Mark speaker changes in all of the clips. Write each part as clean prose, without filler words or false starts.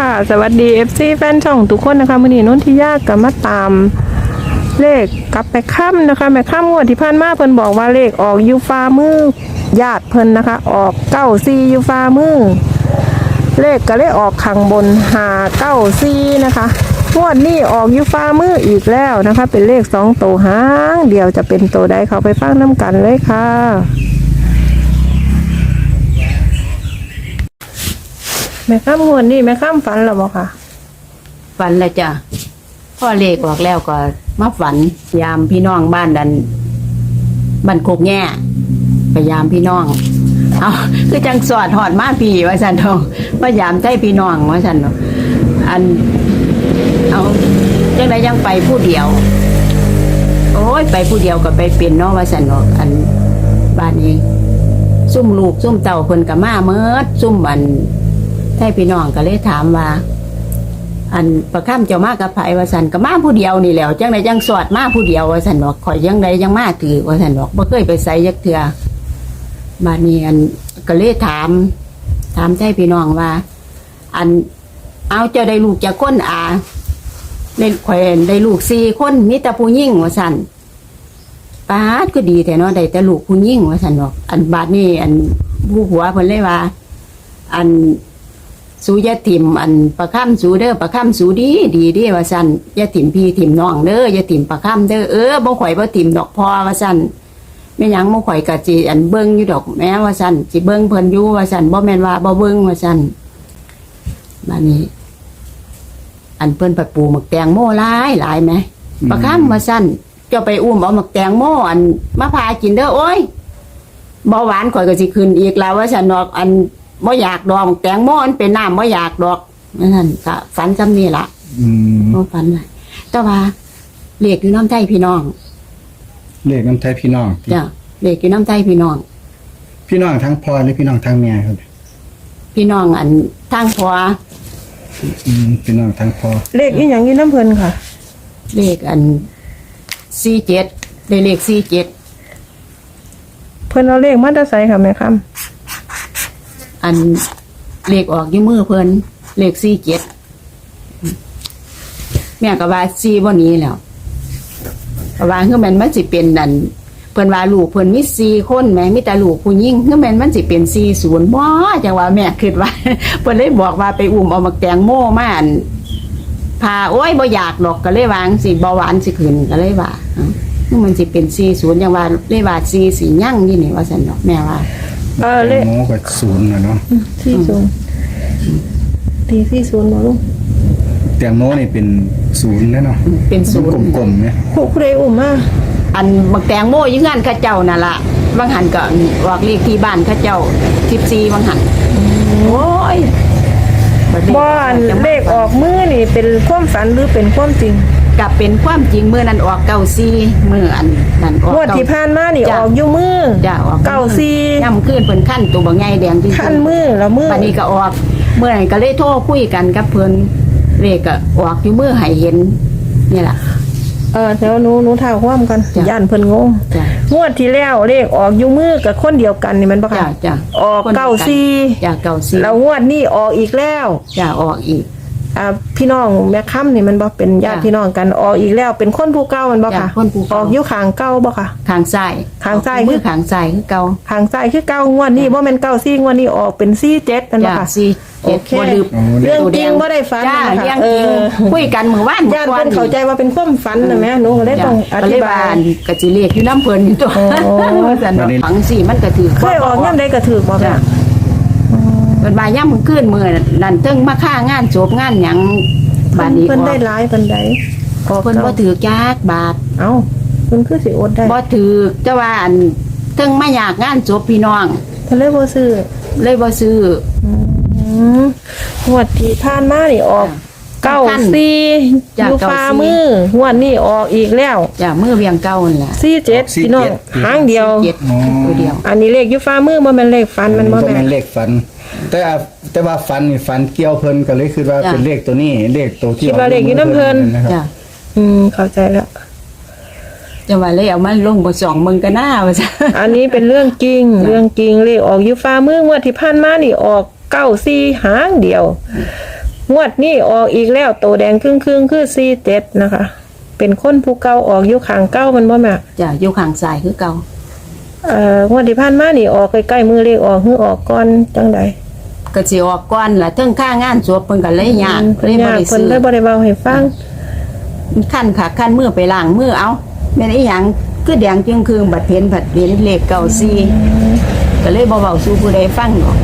Speaker 1: ค่ะสวัสดี FC แฟนช่องทุกคนนะคะมื้อนี้นนทิยาก็มาตามเลขกับแม่ค่ำนะคะแม่ค่ำงวดที่ผ่านมาเพิ่นบอกว่าเลขออกอยู่ฟ้ามือญาติเพิ่นนะคะออก94อยู่ฟ้ามือเลขก็เลยออกข้างบน594นะคะงวดนี้ออกอยู่ฟ้ามืออีกแล้วนะคะเป็นเลข2ตัวหางเดียวจะเป็นตัวใดเข้าไปฟังน้ำกันเลยค่ะแม่ค่ำงวดนี้แม่ค่ำฝันหรือเปล่าคะ
Speaker 2: ฝันแล้วจ้ะพ่อเลขออกแล้วก็มาฝันยามพี่น้องบ้านดันบ้านโคกแง่ไปยามพี่น้องเอาคือจังสอดหอดมาพี่ว่าสันทองว่ายามใจพี่น้องว่าสันเนาะอันเอาจังไดยังไปผู้เดียวโอ้ยไปผู้เดียวก็ไปเป็นเนาะว่าสันเนาะอันบ้านนี้ซุ่มลูกซุ่มเต่าเพิ่นก็มาเมิดซุ่มอันให้พี่น้องก็เลยถามว่าอันประค่ำเจ้ามากับไผว่าสันก็มาผู้เดียวนี่แหล้วจังไดยังสอดมาผู้เดียวว่าสันบอกข่อยยังไดยังมาถือว่าสันบอกบ่เคยไปใส่ยักเถื่อบ้านนี้อันก็เลยถามให้พี่น้องว่า อันเอาเจ้าได้ลูกจากคนเล่นแขวนได้ลูก4 คนมีแต่ผู้หญิงว่าสันป้าดก็ดีแต่เนาะได้แต่ลูกผู้หญิงว่าสันบอกอันบาดนี้อันผู้หัวเพิ่นเลยว่าอันสูยาถิ่มอันประค่ำสูเด้อประค่ำสูดีว่าซั่นยาถิ่มพี่ถิ่มน้องเด้อยาถิ่มประค่ำเด้อบ่ข่อยบ่ถิ่มดอกพอว่าซั่นแม่หยังบ่ข่อยก็สิอันเบิ่งอยู่ดอกแม่ว่าซั่นสิเบิ่งเพิ่นอยู่ว่าซั่นบ่แม่นว่าบ่เบิ่งว่าซั่นบัดนี้อันเพิ่นปัดปูหมักแตงโมหลายแหมประค่ำว่าซั่นเจ้าไปอุ้มเอาหมักแตงโมอันมาพากินเด้อโอ้ยเบาหวานข่อยก็สิขึ้นอีกแล้วว่าซั่นดอกอันบ่อยากดอกแตงโมมันเป็นน้ำบ่อยากดอกนั่นก็ฝันจำนี่ล่ะบ่ฝันเลยแต่ว่าเลขอยู่น้ำใจพี่น้อง
Speaker 3: เลขน้ำใจพี่น้อง
Speaker 2: จ้ะเลขอยู่น้ำใจพี่น้อง
Speaker 3: พี่น้องทั้งพ่อหรือพี่น้องทั้งแม่ครับ
Speaker 2: พี่น้องอันทางพ่อ
Speaker 3: พี่น้องทั้งพ่อ
Speaker 1: เลขอีหยังอยู่น้ำเพิ่นค่ะ
Speaker 2: เลขอัน47ได้เลข47
Speaker 1: เพิ่นเอาเลขมาแต่ไสค่ะแม่ค่ำ
Speaker 2: อันเลขออกอยู่มือเพิ่นเลข47แม่ก็ว่า4บ่นี้แล้วก็ว่าคือมันสิเป็นนั่นเพิ่นว่าลูกเพิ่นมี4 คนแม่มีแต่ลูกผู้หญิงคือมันสิเป็น40บ่จังว่าแม่คิดว่าเพิ่นเลยบอกว่าไปอุ้มเอามาแตงโมมาอันพาโอ้ยบ่อยากดอกก็เลยวางสิเบาหวานสิขึ้นก็เลยว่าคือมันสิเป็น40จังว่าเลยว่า4สิยั่งนี่นี่ว่าซั่นดอกแม่ว่า
Speaker 3: เลขโมก็0น่ะเนาะ
Speaker 1: 40ตี40บ่ลูก
Speaker 3: แตงโมนี่เป็น0แล้วเนาะ
Speaker 2: เป็น0
Speaker 3: กลมๆเนี่ย
Speaker 1: ผู้ใดอุ้มมา
Speaker 2: อันบักแตงโมอยู่งานเขาเจ้านั่นล่ะบางหันก็ออกเลขที่บ้านเขาเจ้า14บางหันโอ้ย
Speaker 1: บ่อันเลขออกมือนี่เป็นความฝันหรือเป็นความจริง
Speaker 2: ก็เป็นความจริงมื้อนั้นออก94มื้ออันนั้นออก
Speaker 1: งวดที่ผ่านมานี่ออกอยู่มือ
Speaker 2: จ้ะออก
Speaker 1: 94
Speaker 2: ย่ำคืนเพิ่นคั่นตัวบักใหญ่แดงจริงๆ
Speaker 1: คั่นมือละมือ
Speaker 2: บัดนี้ก็ออกมื้อนั้นก็เลยโทรคุยกันกับเพิ่นเลขก็ออกอยู่มือให้เห็นนี่ล่ะ
Speaker 1: เดี๋ยวหนูท่าความกันย่านเพิ่นงงงวดที่แล้วเลขออกอยู่มือกับคนเดียวกันนี่มันบ่ค่ะ
Speaker 2: จ้ะ
Speaker 1: ออก94
Speaker 2: จ้ะ94
Speaker 1: แล้วงวดนี้ออกอีกแล้ว
Speaker 2: จ้ะออกอีก
Speaker 1: พี่น้องแม่ค่ำนี่มันบ่เป็นญาติพี่น้องกันออกอีกแล้วเป็นคนผู้เก่ามันบ่ค่ะออกอยู่ข้างเก่าบ่ค่ะ
Speaker 2: ข้างซ้าย
Speaker 1: คือ
Speaker 2: ข้างซ้ายคือเก่า
Speaker 1: ข้างซ้ายคือเก่างวดนี้บ่แม่น94งวดนี้ออกเป็น47มันบ่ค่ะ
Speaker 2: โอเค
Speaker 1: เรื่องจริงบ่ได้ฝัน
Speaker 2: นะคะคุยกันมื้อวาน
Speaker 1: ญาติเพิ่นเข้าใจว่าเป็นความฝันนะแม่หนูก็เลยต้องอธิบาย
Speaker 2: ก็สิเลขอยู่นำเพิ่นอยู่ตัวซั่นฝังสิมันก็ถือ
Speaker 1: เคยออกยามใดก็ถือบ่ค่ะ
Speaker 2: เพิ่นว่าย่ำคืนมื้อนั่นเทิงมาค่างานจบงานหยังบาดนี้
Speaker 1: เพิ่นได้หลายปานใด
Speaker 2: เพิ่นบ่ถือจักบาท
Speaker 1: เอ้าเพิ่นคือสิอดได้
Speaker 2: บ่ถือแต่ว่าอันเทิงมาอยากงานจบพี่น้อง
Speaker 1: เพิ่นเลยบ่ซื้องวดที่ผ่านมานี่ออก94อยู่ฟ้ามืองวดนี้ออกอีกแล้ว
Speaker 2: จ้ะมือเวียงเก่านั่นแหละ
Speaker 1: 47พี่น้องหางเดียว
Speaker 2: ตัวเดียว
Speaker 1: อันนี้เลขอยู่ฟ้ามือบ่แม่นเลขฟันมันบ่แม่น
Speaker 3: เลขฟันแต่ว่าฟันนี่ฟันเกี่ยวเพิ่นก็เลยคิดว่าเป็นเลขตัวนี้เลขตัวที่
Speaker 1: คิดว่าเลขอยู่นำเพิ่น
Speaker 2: จ้ะ
Speaker 1: เข้าใจแล้ว
Speaker 2: จะว่าเลยเอามาลงบ่ส่องมึงก็น่าว่าซะ
Speaker 1: อันนี้เป็นเรื่องจริงเลขออกอยู่ฟ้ามืองวดที่ผ่านมานี่ออก94หางเดียวงวดนี้ออกอีกแล้วโตแดงครึ่งคือ47นะคะ เป็นคนผู้เก่าออกอยู่ข้างเก่ามันบ่แม่
Speaker 2: จ้ะอยู่ข้างซ้ายคือเก่าง
Speaker 1: วดที่ผ่านมานี่ออกใกล้ๆมือเลขออกคือออกก่อนจังใด
Speaker 2: ก็สิออกก่อนล่ะเทิงค่างานศพเพิ่นก็เลยยาก
Speaker 1: เพิ่น
Speaker 2: เลยบ่
Speaker 1: ยาก
Speaker 2: ได้
Speaker 1: เพิ่น
Speaker 2: ซื้อ
Speaker 1: เลยบ่ได้เว้าให้ฟัง
Speaker 2: ขั้นค่ะขั้นมือไปล้างมือเอาแม่นอีหยังคือแดงจึงคือบัดเพ็ญเลขเก่าซีก็เลยบ่เว้าสู่ผู้ใดฟังหรอก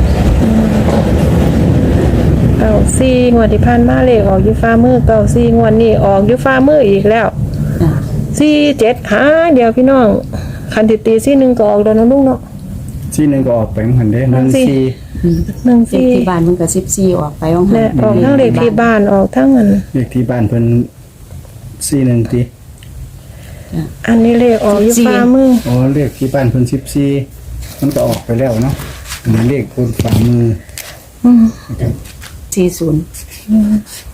Speaker 1: 94งวดที่ผ่านมาเลขออกอยู่ฟ้ามือ94งวดนี้ออกอยู่ฟ้ามืออีกแล้ว
Speaker 2: จ้ะ
Speaker 1: 47หาเดียวพี่น้องคันติตีซี่1ก็ออกแล้วเนาะลุงเนาะ
Speaker 3: ที่หนึงก็ออกไปเหมือนเด้
Speaker 1: นั่นสิ
Speaker 3: 14
Speaker 2: เลขที่บ้านมันก็14ออกไปของ
Speaker 1: และออกทั้งเลขที่บ้านออกทั้งอัน
Speaker 3: เลขที่บ้านเพิ่น41ติ
Speaker 1: อันนี้เลขออกอยู่ฟ้ามือ
Speaker 3: อ๋อเลขที่บ้านเพิ่น14มันก็ออกไปแล้วเนาะอันนี้เลขบนฝ่ามือ
Speaker 1: อืม
Speaker 3: นะครับ
Speaker 2: 40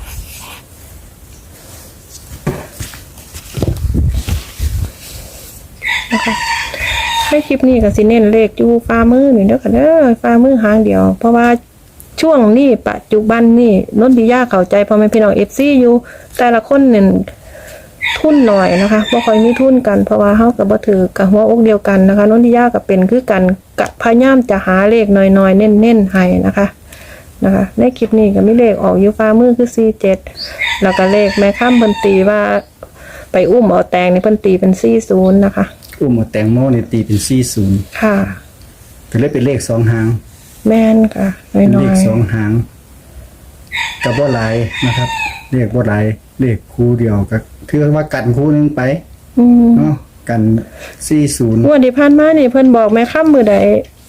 Speaker 1: ให้คลิปนี้ก็สิเน้นเลขอยู่ฟ้ามือนี่เด้อค่ะเด้อฟ้ามือหางเดียว เพราะว่าช่วงนี้ปัจจุบันนี่นนทิยาเข้าใจพ่อแม่พี่น้อง FC อยู่แต่ละคนเนี่ยทุนหน่อยนะคะบ่ค่อยมีทุนกันเพราะว่าเฮาก็บ่ถือกับหัวอกเดียวกันนะคะนนทิยาก็เป็นคือกันกะพยายามจะหาเลขน้อยๆเน้นๆให้นะคะในคลิปนี้ก็มีเลขออกอยู่ฟ้ามือคือ47แล้วก็เลขแม่ค้ำเพิ่นตีว่าไปอุ้มเอาแตงนี่เพิ่นตีเป็น40นะคะ
Speaker 3: อุ้มเอาแตงโมนี่ตีเป็น40
Speaker 1: ค่ะ
Speaker 3: ก็เลยเป็นเลข2หาง
Speaker 1: แม่นค่ะน้
Speaker 3: เป็นเล
Speaker 1: อย
Speaker 3: ข2หางกับบ่หลายนะครับเลขบ่หลายเลขคู่เดียวก็ถือว่ากันคู่หนึงไป
Speaker 1: อืม
Speaker 3: เนาะกัน40
Speaker 1: งวดที่ผ่านมานี่เพิ่นบอกแม่ค้ำมือใด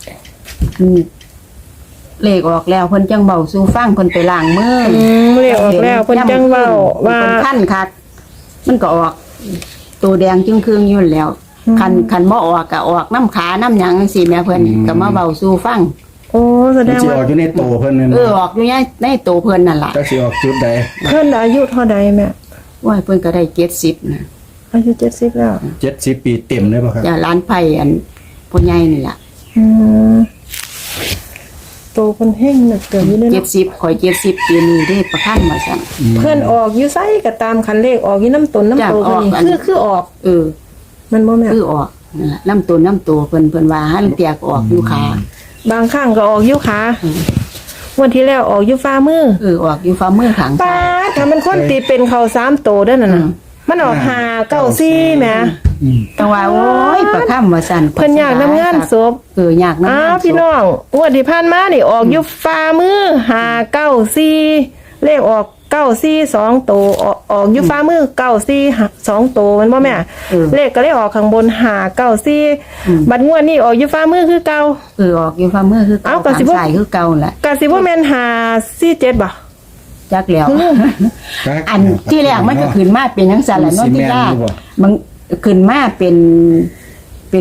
Speaker 2: เลขออกแล้วเพิ่นจังเบาสู่ฟังเพิ่นไปล้างมือ
Speaker 1: เรียกออกแล้วเพิ่นจังเว้าว่า
Speaker 2: เพิ่นขั้นคักมันก็ออกตัวแดงจึงครึ่งอยู่แล้วคันบ่ออกก็ออกน้ำขาน้ำหยังจังซี่แม่เพิ่นก็มาเบาสู่ฟัง
Speaker 1: โอ้แสด
Speaker 3: มัน
Speaker 1: ง
Speaker 3: สิ
Speaker 1: ว่า
Speaker 3: ออกอยู่ในโตเพิ่นนั่น
Speaker 2: ออกอยู่ในตัวเพิ่นนั่นล่ะ
Speaker 3: จักสิออกจุดใด
Speaker 1: เพิ่นอายุเท่าใดแม่
Speaker 2: ว่าเพิ่นก็ได้70นะ
Speaker 1: อายุ70แล้ว
Speaker 3: 70 ปีเต็มเลยป่ะครับ
Speaker 2: จ้าร้านไผ่อันพ่อใหญ่นี่ล่ะ
Speaker 1: อืมโตเพิ่นเฮงนึกเกิดอยู่เด้อเนาะ
Speaker 2: 70ข่อย70ปีนี้ได้ประคันมาซั่น
Speaker 1: เพิ่นออกอยู่ไสก็ตามคันเลขออกอยู่น้ำตนน้ำโต
Speaker 2: จ้ะออกอัน
Speaker 1: เพิ่นนี่คือออก
Speaker 2: เออ
Speaker 1: มันบ่แม่
Speaker 2: คือออกนั่นล่ะน้ำตัวเพิ่นว่าหันเตียกออกอยู่ขา
Speaker 1: บางครั้งก็ออกอยู่ขาวันที่แล้วออกอยู่ฟ้ามือ
Speaker 2: ออกอยู่ฝ่ามือข้าง
Speaker 1: ป้า
Speaker 2: ซ้าย
Speaker 1: ดถ้ามันคนตีเป็นเขา3โตเด้อนั่นน่ะมันออก594แหม
Speaker 2: แต่ว่าโอ้ยประคันว่าซั่น
Speaker 1: เพิ่นอยากนำงานศพ
Speaker 2: อยากนำาน
Speaker 1: อ้างว
Speaker 2: ศ
Speaker 1: พี่
Speaker 2: พ
Speaker 1: น้องงวดที่ผ่านมานี่ออกอยู่ฟ้ามือ594เลขออก94 2ตัวออกอยู่ฟ้ามือ94 2ตัวมันบ่แม่เลขก็เลยออกข้างบน594บัดงวดนี้ออกอยู่ฟ้ามือคือเก่า
Speaker 2: ออกอยู่ฝ่ามือคือ
Speaker 1: เอ้า
Speaker 2: เก่า
Speaker 1: ก็สิ
Speaker 2: ข้าง
Speaker 1: บ่
Speaker 2: ซ้ายคือเก่าแหละ
Speaker 1: ก็สิบ่แม่น547บ่
Speaker 2: จักแล้ว อันที่แรกมันก็ขึ้นมาเป็นจังซั่นแหละเนาะที่ยากมันขึ้นมาเป็น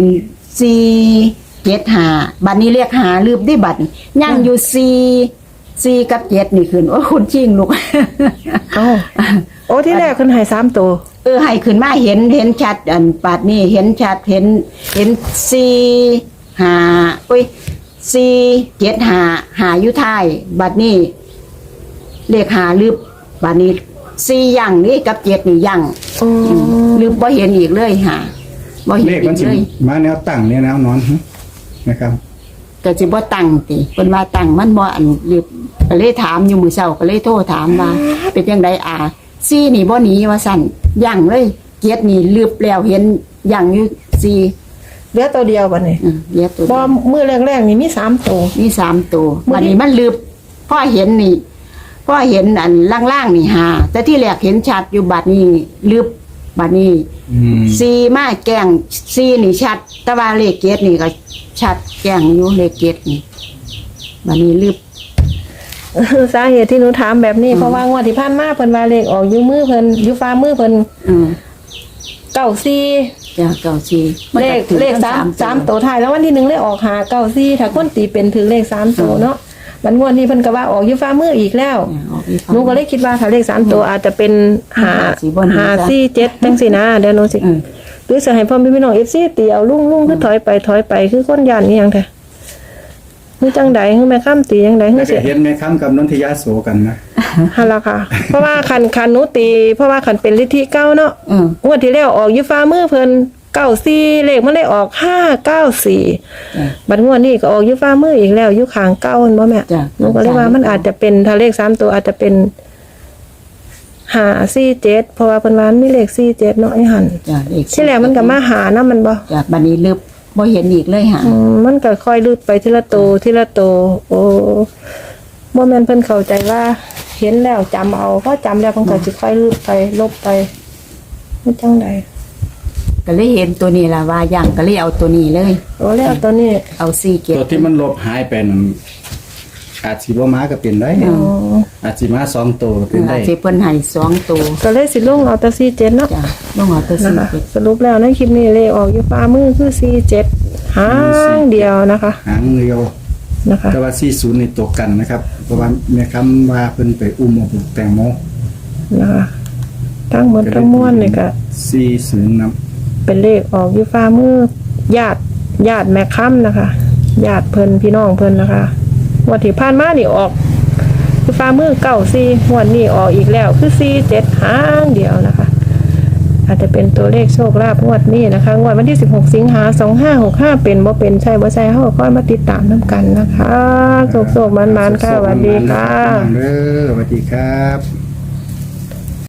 Speaker 2: 475บัดนี้เรียกหาลืบได้บัดนี้ยังอยู่4กับ7นี่ขึ้นโอ้คุณชิงลูก
Speaker 1: เอ้าโอ้ที่แรกขึ้นให้3ตัว
Speaker 2: ให้ขึ้นมาเห็นชัดอันปาดนี่เห็นชัดเห็น4 5โอ้ย4 7 5หาอยู่ท้ายบัดนี้เลขหาลืบบัดนี้4อย่างนี่กับ7นี่อย่าง
Speaker 1: โอ้
Speaker 2: ลืมบ่เห็นอีกเลยหาบ่เห็น
Speaker 3: เลข
Speaker 2: อี
Speaker 3: มัน
Speaker 2: ก
Speaker 3: สิ
Speaker 2: เลย
Speaker 3: มาแนวตั้งเนี่ยแนวนอนนะครับ
Speaker 2: ก็สิบ่ตั้งติเพิ่นว่าตั้งมันบ่อันลืมก็เลยถามอยู่มื้อเช้าก็เลยโทรถามว่าเป็นจังไดซี่นี่บ่หนีว่าซั่นย่างเลยเกียรตินี่ลืบแล้วเห็นย่างอยู่ซี่
Speaker 1: เหลือตัวเดียวบัดนี้
Speaker 2: เรียกตัว
Speaker 1: บ่มื้อแรกๆนี่มี3ตัว
Speaker 2: มี3ตัวบัดนี้มันลืบพอเห็นนี่พอเห็นอันล่างๆนี่หาแต่ที่แรกเห็นชัดอยู่บัดนี้ลืบบัดนี้ ซีมาแกงซีนี่ชัดแต่ว่าเลขเกตนี่ก็ชัดแกงอยู่เลขเกตนี่บัดนี้ลืบ
Speaker 1: สาเหตุที่หนูถามแบบนี้เพราะว่างวดที่ผ่านมาเพิ่นว่าเลขออกอยู่มือเพิ่นอยู่ฟ้ามือเพิ่น 94
Speaker 2: จ้ะเก่าซี
Speaker 1: เลข3ตัวท้ายแล้ววันที่1เลขออก594ถ้าคนตีเป็นถึงเลข3ตัวเนาะมันงวดนี้เพิ่นก็ว่าออกอยู่ฟ้ามืออีกแล้วหนูก็เลยคิดว่าถ้าเลข3ตัวอาจจะเป็น547จังซี่นะเดี๋ยวหนูสิหรือสิให้พ่อพี่น้อง FC ตีเอาลุงคือถอยไปคือคนย่านอีหยังแท้คือจังใดคือแม่ค้ำตีจังใดคื
Speaker 3: แล้
Speaker 1: อ
Speaker 3: ว
Speaker 1: สิ
Speaker 3: ก็เห็นไหมครับกับนนทิยาโสกันนะ
Speaker 1: หั่นล่ะค่ะ เพราะว่าคันหนูตีเพราะว่าคันเป็นลิธิเก้าเนาะ
Speaker 2: อืม
Speaker 1: งวดที่แล้วออกอยู่ฟ้ามือเพิ่น94เลขมันเลยออก594บัดงวดนี้ก็ออกอยู่ฟ้ามืออีกแล้วอยู่ข้างเก้าแม่นบ่แม่
Speaker 2: จ้ะ
Speaker 1: หนูก็เลยว่ามันอาจจะเป็นถ้าเลข3ตัวอาจจะเป็น547เพราะว่าเพิ่นว่ามีเลข47เนาะไอ้หั่น
Speaker 2: จ้ะเลข
Speaker 1: ที่แรกมันก็มาหานะมันบ่
Speaker 2: จ้ะบัดนี้ลึบบ่เห็นอีกเลยหา
Speaker 1: มันก็ค่อยลืดไปทีละโตวทีละโตวโอ้บ่แม่นเพิ่นเข้าใจว่า เห็นแล้วจำเอาพอจำแล้วเพิ่นก็สิค่อยลืดไปลบไปมันจังได
Speaker 2: ก็เลยเห็นตัวนี้ล่ะว่าย่างก็เลยเอาตัวนี้เลย
Speaker 1: โอ้แล้วตัวนี้
Speaker 2: เอา4เก็บ
Speaker 3: ตัวที่มันลบหายไปนั่นอาจสิบ่มาก็เป็นได้
Speaker 1: อ๋อ
Speaker 3: อาจสิมา2ตัวก็เป็นได้
Speaker 2: ที่เพิ่นให้2ตัว
Speaker 1: ก็เลยสิลงเอาแต่47เนาะ
Speaker 2: จ้ะลงเอาตัว
Speaker 1: นะคะ
Speaker 2: 4เก็บ
Speaker 1: สรุปแล้วในคลิปนี้เลขออกอยู่ฟ้ามือคือ47หางเดียวนะคะ
Speaker 3: หางเดียว
Speaker 1: นะคะ
Speaker 3: แต่ว่า40นี่ตัวกันนะครับ เพราะว่าแม่คำว่าเพิ่นไปอุ้มเอาบุกแตงโม
Speaker 1: นะคะทั้งหมดทั้งมวลนี่ก็
Speaker 3: 40นำ
Speaker 1: เป็นเลขออกอยู่ฟ้ามือญาติแม่ค้ำนะคะญาติเพิ่นพี่น้องเพิ่นนะคะงวันที่ผ่านมานี่ออกอยู่ฟ้ามือ94งวดนี้ออกอีกแล้วคือ47หางเดียวนะคะ อาจจะเป็นตัวเลขโชคลาภงวดนี้นะคะงวดวันที่16สิงหา2565เป็นบ่เป็นใช่บ่ใช่เฮาก็ค่อยมาติดตามนํกันนะคะโชคๆมันๆค่ะสวัสดีค่ะ
Speaker 3: เด้อสวัสดีครับ